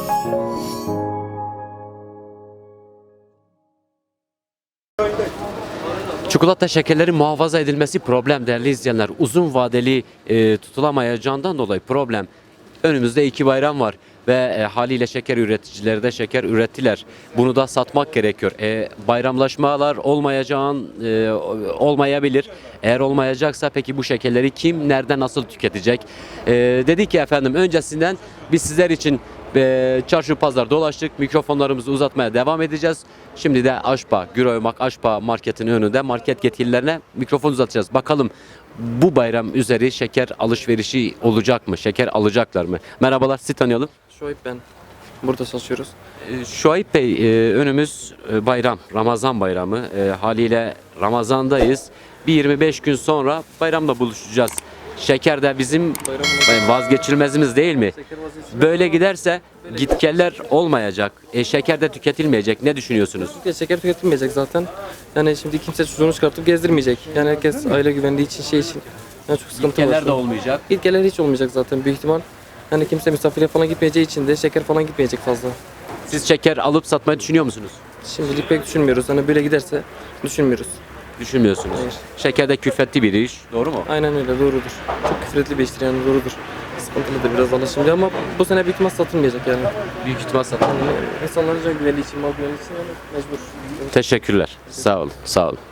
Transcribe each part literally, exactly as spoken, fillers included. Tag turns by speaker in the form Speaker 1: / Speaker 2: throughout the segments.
Speaker 1: Çikolata şekerlerin muhafaza edilmesi problem değerli izleyenler. Uzun vadeli e, tutulamayacağından dolayı problem. Önümüzde iki bayram var ve e, haliyle şeker üreticileri de şeker ürettiler. Bunu da satmak gerekiyor. E, bayramlaşmalar olmayacağın e, olmayabilir. Eğer olmayacaksa peki bu şekerleri kim, nerede, nasıl tüketecek? E, dedik ki efendim öncesinden biz sizler için e, çarşı pazar dolaştık. Mikrofonlarımızı uzatmaya devam edeceğiz. Şimdi de Aşpa, Güroymak Aşpa marketinin önünde market yetkililerine mikrofon uzatacağız. Bakalım bu bayram üzeri şeker alışverişi olacak mı? Şeker alacaklar mı? Merhabalar, sizi tanıyalım.
Speaker 2: Şuayb ben. Burada çalışıyoruz.
Speaker 1: Ee, Şuayb Bey, e, önümüz e, bayram, Ramazan bayramı. E, haliyle Ramazan'dayız. Bir yirmi beş gün sonra bayramla buluşacağız. Şeker de bizim vazgeçilmezimiz değil mi? Böyle giderse gitgeller olmayacak. E, şeker de tüketilmeyecek. Ne düşünüyorsunuz?
Speaker 2: Türkiye şeker tüketilmeyecek zaten. Yani şimdi kimse çocuğunu çıkartıp gezdirmeyecek. Yani herkes aile güvenliği için şey için. Yani çok sıkıntı
Speaker 1: Gitgeller
Speaker 2: var.
Speaker 1: de olmayacak.
Speaker 2: İlkeler hiç olmayacak zaten büyük ihtimal. Yani kimse misafire falan gitmeyeceği için de şeker falan gitmeyecek fazla.
Speaker 1: Siz şeker alıp satmayı düşünüyor musunuz?
Speaker 2: Şimdilik pek düşünmüyoruz. Hani böyle giderse düşünmüyoruz.
Speaker 1: Düşünmüyorsunuz.
Speaker 2: Hayır.
Speaker 1: Şeker de külfetli bir iş. Doğru mu?
Speaker 2: Aynen öyle, doğrudur. Çok küfretli bir iştir yani, doğrudur. Sıkıntılıdır biraz valla şimdi ama bu sene büyük ihtimal satılmayacak yani.
Speaker 1: Büyük ihtimal satın.
Speaker 2: Yani insanların can güvenliği için, mal güvenliği için yani mecbur.
Speaker 1: Teşekkürler. Sağ olun. Sağ olun.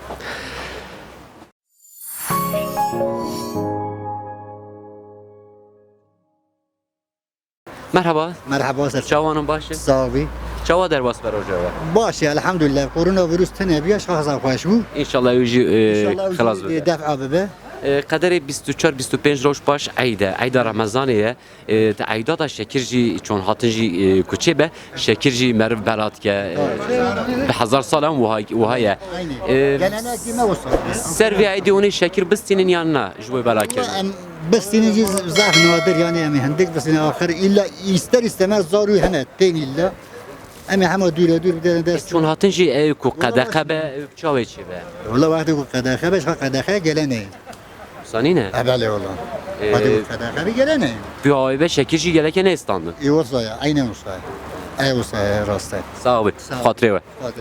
Speaker 1: Merhaba.
Speaker 3: مرحبا سر
Speaker 1: Çavanın başı.
Speaker 3: صاحبي
Speaker 1: Çava derbas ver hocaya.
Speaker 3: باشه الحمد لله كورونا فيروس تنه بیا شخصا خوش بو
Speaker 1: İnşallah yüzü
Speaker 3: ان
Speaker 1: kılaz
Speaker 3: شاء
Speaker 1: ver.
Speaker 3: الله دفع ببه
Speaker 1: Kaderi yirmi üç yirmi beş roş baş ayda. Ayda Ramazaniye. Ayda da şekirci çon hatıncı kuçe be. Şekirci merv berat ke. Be hazar salam vuhaya.
Speaker 3: aynı gelenek dime olsun
Speaker 1: Servi ayda onu şekir bistinin yanına. Jboy berakir.
Speaker 3: بس تنجي زعف نوادر يعني امي هندك بس إن اخر الا يستر استمر زارو هنا تاني الا امي حما دور دور بدنا دست
Speaker 1: Çon hatıncı ev ku kadaka be çave çi be.
Speaker 3: والله واحد يقول قداخه باش قداخه قلني
Speaker 1: Sani ne?
Speaker 3: ابالي والله واحد يقول قداخه بقلني
Speaker 1: Bir ay be şekirci geleke ne istandın?
Speaker 3: اي وصايا عيني وصايا اي وصايا راسته
Speaker 1: Sağ ol.
Speaker 3: Sağ ol.
Speaker 1: Hatırı ve.
Speaker 3: قادر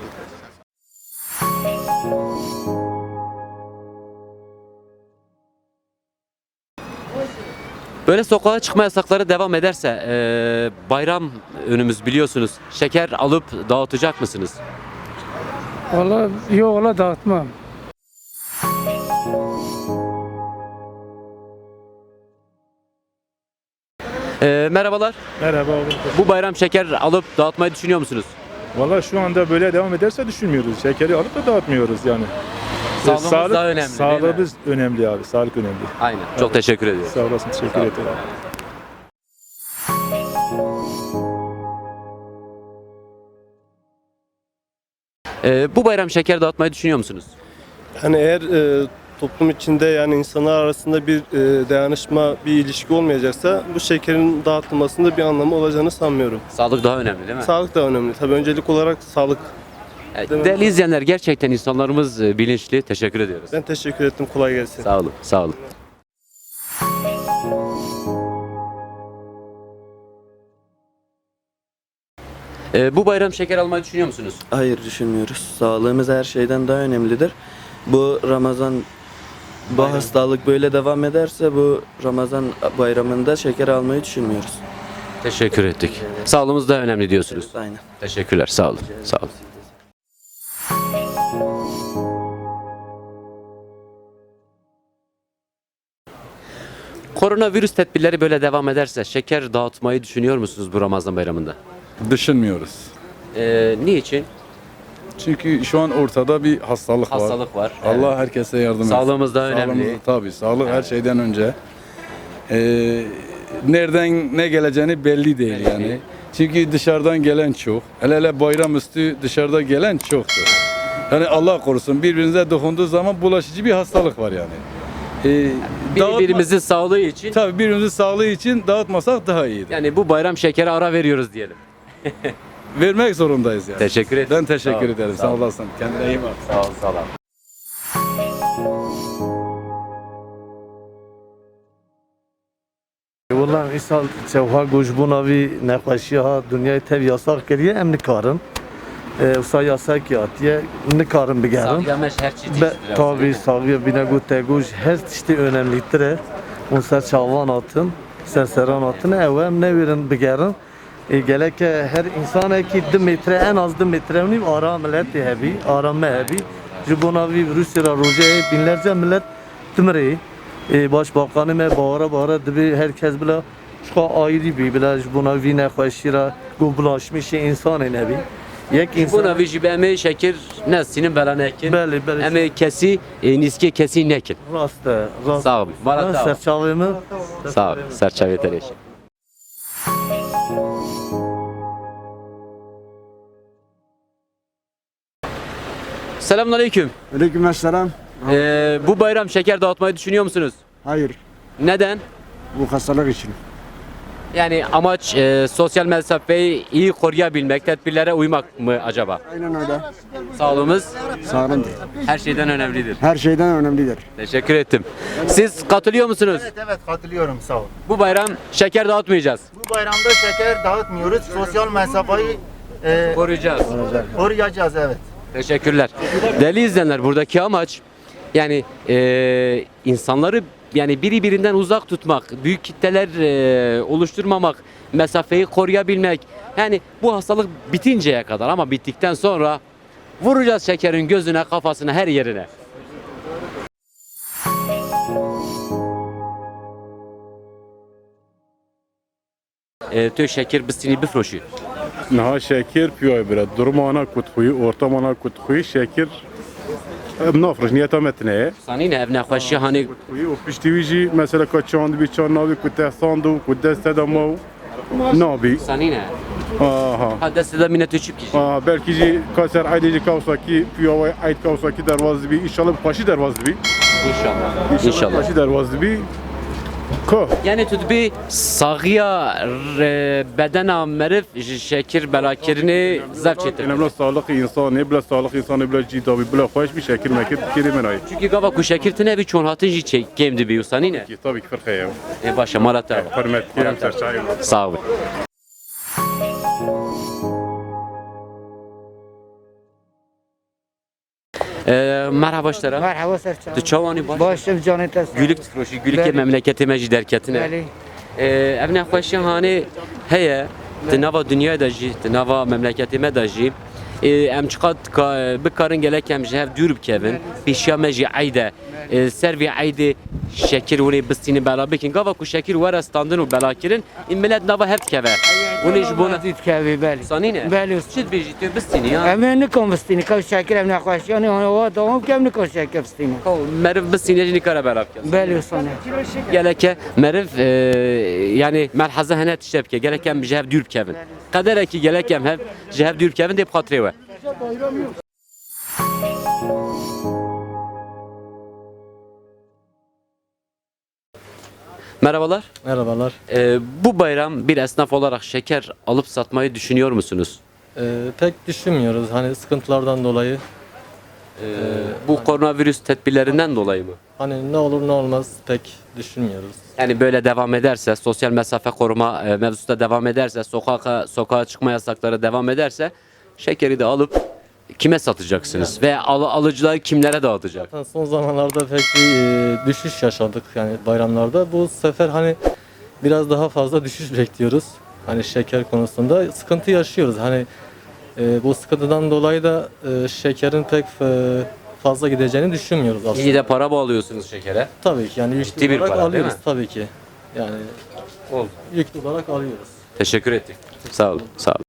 Speaker 1: Böyle sokağa çıkma yasakları devam ederse eee, bayram önümüz biliyorsunuz. Şeker alıp dağıtacak mısınız?
Speaker 4: Valla yok valla dağıtmam.
Speaker 1: Eee, merhabalar.
Speaker 5: Merhaba oğlum.
Speaker 1: Bu bayram şeker alıp dağıtmayı düşünüyor musunuz?
Speaker 5: Valla şu anda böyle devam ederse düşünmüyoruz. Şekeri alıp da dağıtmıyoruz yani.
Speaker 1: Sağlığımız
Speaker 5: Sağlık-
Speaker 1: daha önemli, değil mi?
Speaker 5: Sağlığımız önemli abi. Sağlık önemli.
Speaker 1: Aynen. Çok teşekkür ediyorum.
Speaker 5: Sağ olasın. Teşekkür
Speaker 1: Sağ ol.
Speaker 5: ederim.
Speaker 1: Eee, bu bayram şeker dağıtmayı düşünüyor musunuz?
Speaker 6: Hani eğer e, toplum içinde yani insanlar arasında bir e, dayanışma, bir ilişki olmayacaksa bu şekerin dağıtılmasında bir anlamı olacağını sanmıyorum.
Speaker 1: Sağlık daha önemli değil mi?
Speaker 6: Sağlık da önemli. Tabii öncelik olarak sağlık.
Speaker 1: Evet,
Speaker 6: Değil mi?
Speaker 1: değerli izleyenler gerçekten insanlarımız e, bilinçli. Teşekkür ediyoruz.
Speaker 6: Ben teşekkür ettim. Kolay gelsin.
Speaker 1: Sağ olun. Sağ olun. Eee, bu bayram şeker almayı düşünüyor musunuz?
Speaker 7: Hayır düşünmüyoruz. Sağlığımız her şeyden daha önemlidir. Bu Ramazan bu
Speaker 1: Bayram.
Speaker 7: hastalık böyle devam ederse bu Ramazan bayramında şeker almayı düşünmüyoruz.
Speaker 1: Teşekkür ettik. Sağlığımız da önemli diyorsunuz.
Speaker 7: Aynen.
Speaker 1: Teşekkürler. Sağ olun. Sağ olun. Koronavirüs tedbirleri böyle devam ederse şeker dağıtmayı düşünüyor musunuz bu Ramazan bayramında?
Speaker 8: Düşünmüyoruz.
Speaker 1: Ee, niçin?
Speaker 8: Çünkü şu an ortada bir hastalık, var.
Speaker 1: Hastalık var.
Speaker 8: Allah
Speaker 1: Evet.
Speaker 8: herkese yardım etsin.
Speaker 1: Sağlığımız da önemli.
Speaker 8: Sağlığımız- tabii sağlık her
Speaker 1: Evet.
Speaker 8: şeyden önce. Ee, nereden ne geleceğini belli değil
Speaker 1: Belli
Speaker 8: yani.
Speaker 1: değil.
Speaker 8: Çünkü dışarıdan gelen çok. Hele hele bayramüstü dışarıda gelen çoktur. Yani Allah korusun birbirinize dokunduğu zaman bulaşıcı bir hastalık var yani. Ee, dağıtma-
Speaker 1: Birbirimizin sağlığı için
Speaker 8: tabii birbirimizin sağlığı için dağıtmasak daha iyidir.
Speaker 1: yani bu bayram şekeri ara veriyoruz diyelim.
Speaker 8: Vermek zorundayız yani.
Speaker 1: Teşekkür ederim.
Speaker 8: Ben teşekkür
Speaker 1: Sağ ol,
Speaker 8: ederim.
Speaker 1: sağ
Speaker 8: Sağ
Speaker 1: ol.
Speaker 8: olasın. Kendine iyi bak.
Speaker 1: Sağ ol, sağ ol.
Speaker 4: Vallahi
Speaker 9: İnsan çevha goş bu navi nefeşi ha dünyayı tev yasak kiriye em nikarin. Usa yasak yatiye nikarin bigerin.
Speaker 1: Sağlayamış her çeşit.
Speaker 9: Be, tabi sağlıya bine gu teguş her çeşit önemlidir. On ser çavan atın, ser seran atın evem ne verin bigerin. E, gelek her insan ki iki metre en az iki metre unim ara millet hebi, arame hebi. Jibonavi Rusya roje binlerce millet tümreyi. E, Başbakanı me bağıra bağıra dibi herkes bile şu ayrı bir bile jibonavi ne khoşira goblaşmış insan nebi. Yek
Speaker 1: Bu
Speaker 9: insan
Speaker 1: navi jibeme şeker nesinin belanekin.
Speaker 9: Beli beli.
Speaker 1: Ama kesi e, niski kesi nekin.
Speaker 9: Rast rast.
Speaker 1: Sağ ol. Marat sağ ol.
Speaker 9: Serçavımı
Speaker 1: Sağ ol. Serçave tereşi. Selamünaleyküm.
Speaker 10: Aleykümselam.
Speaker 1: Ee, bu bayram şeker dağıtmayı düşünüyor musunuz?
Speaker 10: Hayır,
Speaker 1: Neden?
Speaker 10: bu hastalık için.
Speaker 1: Yani amaç e, sosyal mesafeyi iyi koruyabilmek, tedbirlere uymak mı acaba?
Speaker 10: Aynen öyle.
Speaker 1: Sağlığımız
Speaker 10: Sağlam.
Speaker 1: her şeyden önemlidir.
Speaker 10: Her şeyden önemlidir.
Speaker 1: Teşekkür ettim. Siz katılıyor musunuz?
Speaker 11: Evet evet katılıyorum sağ ol.
Speaker 1: Bu bayram şeker dağıtmayacağız.
Speaker 11: Bu bayramda şeker dağıtmıyoruz. Sosyal mesafeyi e,
Speaker 1: Koruyacağız.
Speaker 11: koruyacağız evet.
Speaker 1: Teşekkürler. Değerli izleyenler, buradaki amaç yani e, insanları yani biri birinden uzak tutmak, büyük kitleler e, oluşturmamak, mesafeyi koruyabilmek. Yani bu hastalık bitinceye kadar, ama bittikten sonra vuracağız şekerin gözüne, kafasına, her yerine. E, tö şeker bistini bifroşu.
Speaker 5: Naha şeker piyoy bire. Durmana kutkuyu, ortamana kutkuyu şeker nafroş niyeta metneye.
Speaker 1: Sani ne evne xoşi hani
Speaker 5: Kutkuyu o piştivici mesela kaçandı bir çan navi kutte sandu kutte sedamav nabi.
Speaker 1: sani ne?
Speaker 5: Aha.
Speaker 1: Ha destede minnet çüp kişi.
Speaker 5: Aa, belki ji kaser aydeci kavsaki piyoy ayd kavsaki dervazı bir inşallah paşi dervazı bir.
Speaker 1: İnşallah. İnşallah.
Speaker 5: Paşi dervazı bir. Ko.
Speaker 1: Yani tutbi sağıya bedena merif şekir belakirini zevk
Speaker 5: Yani bila sağlık insanı, bila sağlık insanı, bila cidavi, bila hoş bir şekil mekir kirimen ay.
Speaker 1: Çünkü gava ku şekir tine bir çon hatın ji çek gemdi bir usani ne?
Speaker 5: Ki tabii ki fark ya.
Speaker 1: E başa malata.
Speaker 5: Hürmet kirim serçayım.
Speaker 1: Sağ ol. Ee, merhaba işlere.
Speaker 4: Merhaba Serçam.
Speaker 1: Tu çavani baş.
Speaker 4: Başım canı test.
Speaker 1: Gülük tifroşi, gülük
Speaker 4: Bəli.
Speaker 1: memleketime ji derketine.
Speaker 4: Bəli.
Speaker 1: Ee, evne xoşi hani heye. Di nava dünyaya da jî, di nava memleketime da jî. Ee, em çıkat bikarın gelek em ji hev dûr bikevin. Pêşiya me jî eyde. Ee, Servî eydê şekir hûnê bistînî bela bikin. Gava ku şekir were standin û bela kirin, ên millet nava hev dikeve. Hûnê ji bo ne
Speaker 4: Dit kevi beli.
Speaker 1: sanî ne?
Speaker 4: Beli.
Speaker 1: Çi dibêjî tu bistînî ya?
Speaker 4: Em ne konvestini kav şeker em ne xoş. Yani o da kem ne koş şeker bistini.
Speaker 1: Meriv bistînê jî nikare bela bikin.
Speaker 4: Beli sana.
Speaker 1: Geleke meriv e, yani merheze hene tişte bike. Gelek em ji hev dûr bikevin. Qederekî gelek em hev ji hev dûr bikevin dê bi xatirê we. Merhabalar.
Speaker 2: Merhabalar.
Speaker 1: Ee, bu bayram bir esnaf olarak şeker alıp satmayı düşünüyor musunuz?
Speaker 2: Ee, pek düşünmüyoruz hani sıkıntılardan dolayı.
Speaker 1: Ee, bu koronavirüs tedbirlerinden dolayı mı?
Speaker 2: Hani ne olur ne olmaz pek düşünmüyoruz.
Speaker 1: Yani böyle devam ederse, sosyal mesafe koruma e, mevzusu da devam ederse, sokağa sokağa çıkma yasakları devam ederse şekeri de alıp kime satacaksınız ve al, alıcılar kimlere dağıtacak?
Speaker 2: Zaten son zamanlarda pek bir e, düşüş yaşadık yani bayramlarda. Bu sefer hani biraz daha fazla düşüş bekliyoruz. Hani şeker konusunda sıkıntı yaşıyoruz. Hani e, bu sıkıntıdan dolayı da e, şekerin pek e, fazla gideceğini düşünmüyoruz aslında.
Speaker 1: İyi de para bağlıyorsunuz şekere.
Speaker 2: Tabii ki yani
Speaker 1: Ciddi
Speaker 2: yüklü
Speaker 1: bir
Speaker 2: olarak
Speaker 1: para, değil
Speaker 2: alıyoruz
Speaker 1: mi?
Speaker 2: tabii ki. Yani
Speaker 1: Oldu.
Speaker 2: yüklü olarak alıyoruz.
Speaker 1: Teşekkür ettik. Sağ olun. Sağ olun.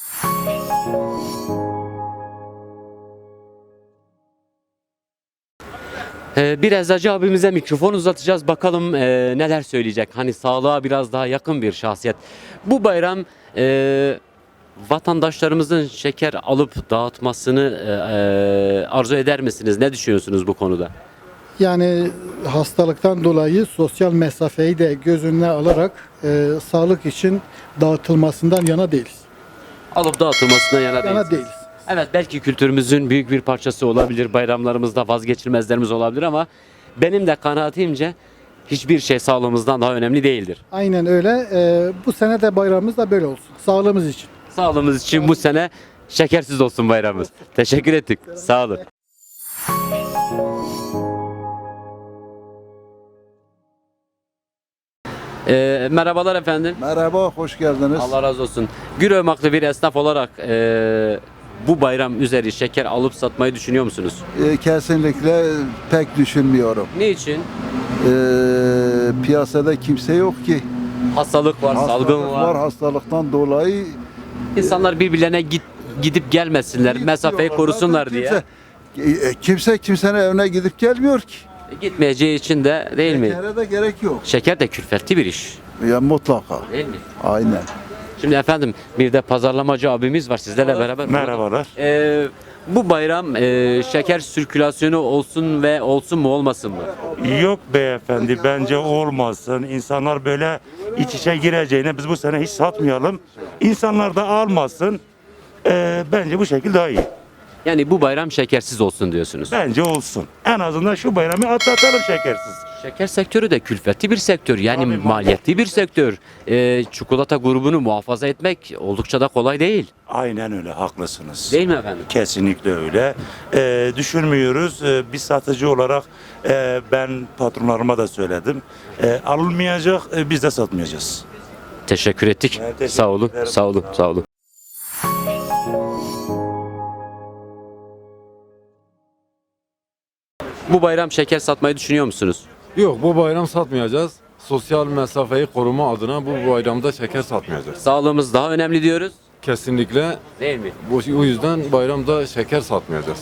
Speaker 1: Ee, bir eczacı abimize mikrofon uzatacağız. Bakalım e, neler söyleyecek. Hani sağlığa biraz daha yakın bir şahsiyet. Bu bayram e, vatandaşlarımızın şeker alıp dağıtmasını e, e, arzu eder misiniz? Ne düşünüyorsunuz bu konuda?
Speaker 12: Yani hastalıktan dolayı sosyal mesafeyi de göz önüne alarak e, sağlık için dağıtılmasından yana değiliz.
Speaker 1: Alıp dağıtılmasına yana,
Speaker 12: Yana
Speaker 1: değilsiniz.
Speaker 12: değiliz.
Speaker 1: Evet, belki kültürümüzün büyük bir parçası olabilir. Bayramlarımızda vazgeçilmezlerimiz olabilir ama benim de kanaatimce hiçbir şey sağlığımızdan daha önemli değildir.
Speaker 12: Aynen öyle. Ee, bu sene de bayramımız da böyle olsun. Sağlığımız için.
Speaker 1: Sağlığımız için bu sene şekersiz olsun bayramımız. Teşekkür ettik. Sağ olun. Ee, merhabalar efendim.
Speaker 10: Merhaba, hoş geldiniz.
Speaker 1: Allah razı olsun. Güröymaklı bir esnaf olarak e, bu bayram üzeri şeker alıp satmayı düşünüyor musunuz?
Speaker 10: Ee, kesinlikle pek düşünmüyorum.
Speaker 1: Niçin?
Speaker 10: Ee, piyasada kimse yok ki.
Speaker 1: Hastalık var,
Speaker 10: Hastalık
Speaker 1: salgın var.
Speaker 10: hastalıktan dolayı
Speaker 1: İnsanlar birbirlerine git, gidip gelmesinler, mesafeyi korusunlar diye.
Speaker 10: Kimse, e, kimse kimsenin evine gidip gelmiyor ki.
Speaker 1: E, Gitmeyeceği için de değil mi?
Speaker 10: Şekere de gerek yok.
Speaker 1: Şeker de külfetli bir iş.
Speaker 10: Ya mutlaka.
Speaker 1: Değil mi?
Speaker 10: Aynen.
Speaker 1: Şimdi efendim bir de pazarlamacı abimiz var sizlerle beraber.
Speaker 5: Merhabalar.
Speaker 1: Ee, bu bayram e, şeker sirkülasyonu olsun ve olsun mu olmasın mı?
Speaker 5: Yok beyefendi, bence olmasın. İnsanlar böyle iç içe gireceğine biz bu sene hiç satmayalım. İnsanlar da almasın. Ee, bence bu şekilde daha iyi.
Speaker 1: Yani bu bayram şekersiz olsun diyorsunuz.
Speaker 5: Bence olsun. En azından şu bayramı atlatalım şekersiz.
Speaker 1: Şeker sektörü de külfetli bir sektör. Yani
Speaker 5: Tabii,
Speaker 1: maliyetli bir sektör. Ee, çikolata grubunu muhafaza etmek oldukça da kolay değil.
Speaker 5: Aynen öyle, haklısınız.
Speaker 1: Değil mi efendim?
Speaker 5: Kesinlikle öyle. Ee, düşünmüyoruz. Ee, bir satıcı olarak e, ben patronlarıma da söyledim. Ee, alınmayacak, e, biz de satmayacağız.
Speaker 1: Teşekkür ettik.
Speaker 5: Ben teşekkür
Speaker 1: Sağ olun.
Speaker 5: ederim.
Speaker 1: Sağ olun. Sağ olun. Bu bayram şeker satmayı düşünüyor musunuz?
Speaker 8: Yok, bu bayram satmayacağız. Sosyal mesafeyi koruma adına bu bayramda şeker satmayacağız.
Speaker 1: Sağlığımız daha önemli diyoruz.
Speaker 8: Kesinlikle
Speaker 1: Değil mi?
Speaker 8: bu, o yüzden bayramda şeker satmayacağız.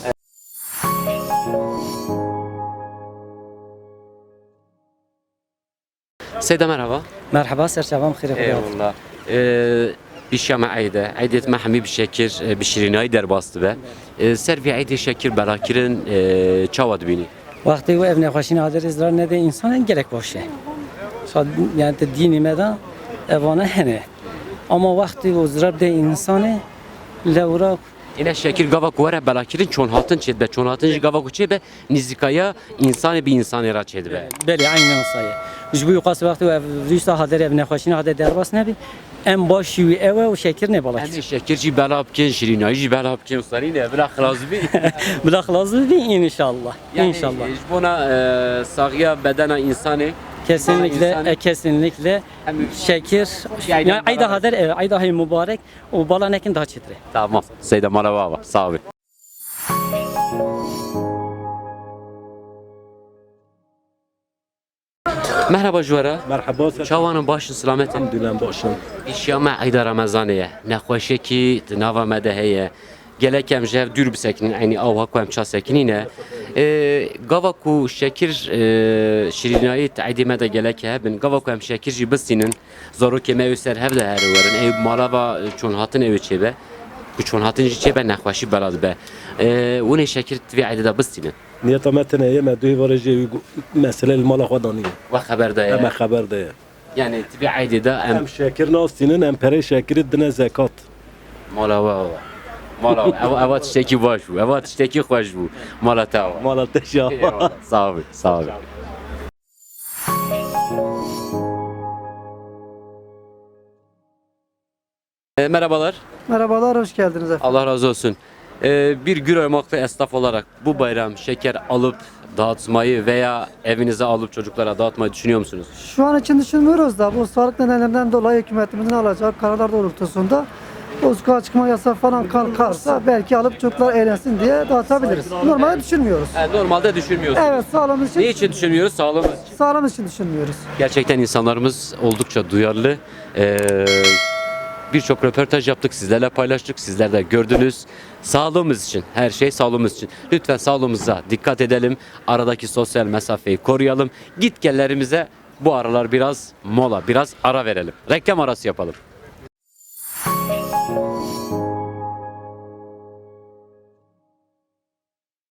Speaker 1: Seyda merhaba.
Speaker 4: Merhaba, serçavam khire
Speaker 1: Eyvallah. Ee, بشام عيدة عيدة محمي بشكر بشريناي در باست به سر في عيدة شكر براكرن چاود بینی
Speaker 4: وقتی و ابن خوشین حاضر ازرار نده انسان gerek باشه شاید یعنی دینی مدن evana hene ama vakti o zrab de insanı levra
Speaker 1: İne şekir gavak vara belakirin çon hatın çedbe çon hatın gavak çedbe nizikaya insanı bir insanı ra çedbe.
Speaker 4: beli aynen sayı. Biz bu yukarı vakti ve rüsta haber evne خوشین haber derbas ne bi en başı eve o şeker ne balak.
Speaker 1: Yani şekirci belapkin şirinayı belapkin sarine bırak lazım.
Speaker 4: Bırak lazım bi inşallah.
Speaker 1: Yani
Speaker 4: İnşallah.
Speaker 1: buna sağya bedena insanı
Speaker 4: Kesinlikle,
Speaker 1: İnsanı-
Speaker 4: e, kesinlikle şekir.
Speaker 1: Yani
Speaker 4: Yani ayda haber, e, ayda hay mübarek. O bala nekin daha çetre.
Speaker 1: Tamam. Seyda merhaba. Sağ olun. Merhaba Juvara.
Speaker 6: Merhaba.
Speaker 1: Çavanın başın selamet.
Speaker 6: Elhamdülillah başım.
Speaker 1: İşyama ayda Ramazaniye. Nexweşe ki nava me de heye. Gelekem jev dür bisekinin yani av hakuem ça sekinine. Gava ku şekir şirinayı taidime de geleke hebin. Gava ku em şekir jî bistînin. Zaro ke me ser hev de her werin. Ev malava çon hatın ev çebe. Ku çon hatın jî çebe nexweşî belad be. Wune şekir tvi ayda da bistînin.
Speaker 6: Niyeta metne yeme duy varıcı mesele mala xwadaniye.
Speaker 1: Ve haber de
Speaker 6: Ama haber de.
Speaker 1: yani tvi ayda da em
Speaker 6: Em şekir nastinin em pere şekir dine zekat.
Speaker 1: malava. Mala ev ev tişteki baş bu. Ev tişteki xoş bu. Mala tava.
Speaker 6: Mala teşya.
Speaker 1: Eyvallah. Sağ ol. Sağ ol. E, merhabalar.
Speaker 4: Merhabalar, hoş geldiniz efendim.
Speaker 1: Allah razı olsun. E, bir Güröymaklı esnaf olarak bu bayram şeker alıp dağıtmayı veya evinize alıp çocuklara dağıtmayı düşünüyor musunuz?
Speaker 4: Şu an için düşünmüyoruz da bu sağlık nedenlerinden dolayı hükümetimizin alacağı kararlar doğrultusunda o sokağa çıkma yasağı falan kalkarsa belki alıp çocuklar eğlensin diye dağıtabiliriz. Normalde düşünmüyoruz.
Speaker 1: E, normalde düşünmüyorsunuz.
Speaker 4: Evet, sağlığımız için,
Speaker 1: Ne için düşünmüyoruz? Sağlığımız için.
Speaker 4: sağlığımız için düşünmüyoruz.
Speaker 1: Gerçekten insanlarımız oldukça duyarlı. Ee, Birçok röportaj yaptık, sizlerle paylaştık, sizler de gördünüz. Sağlığımız için, her şey sağlığımız için. Lütfen sağlığımıza dikkat edelim. Aradaki sosyal mesafeyi koruyalım. Git gellerimize bu aralar biraz mola, biraz ara verelim. Reklam arası yapalım.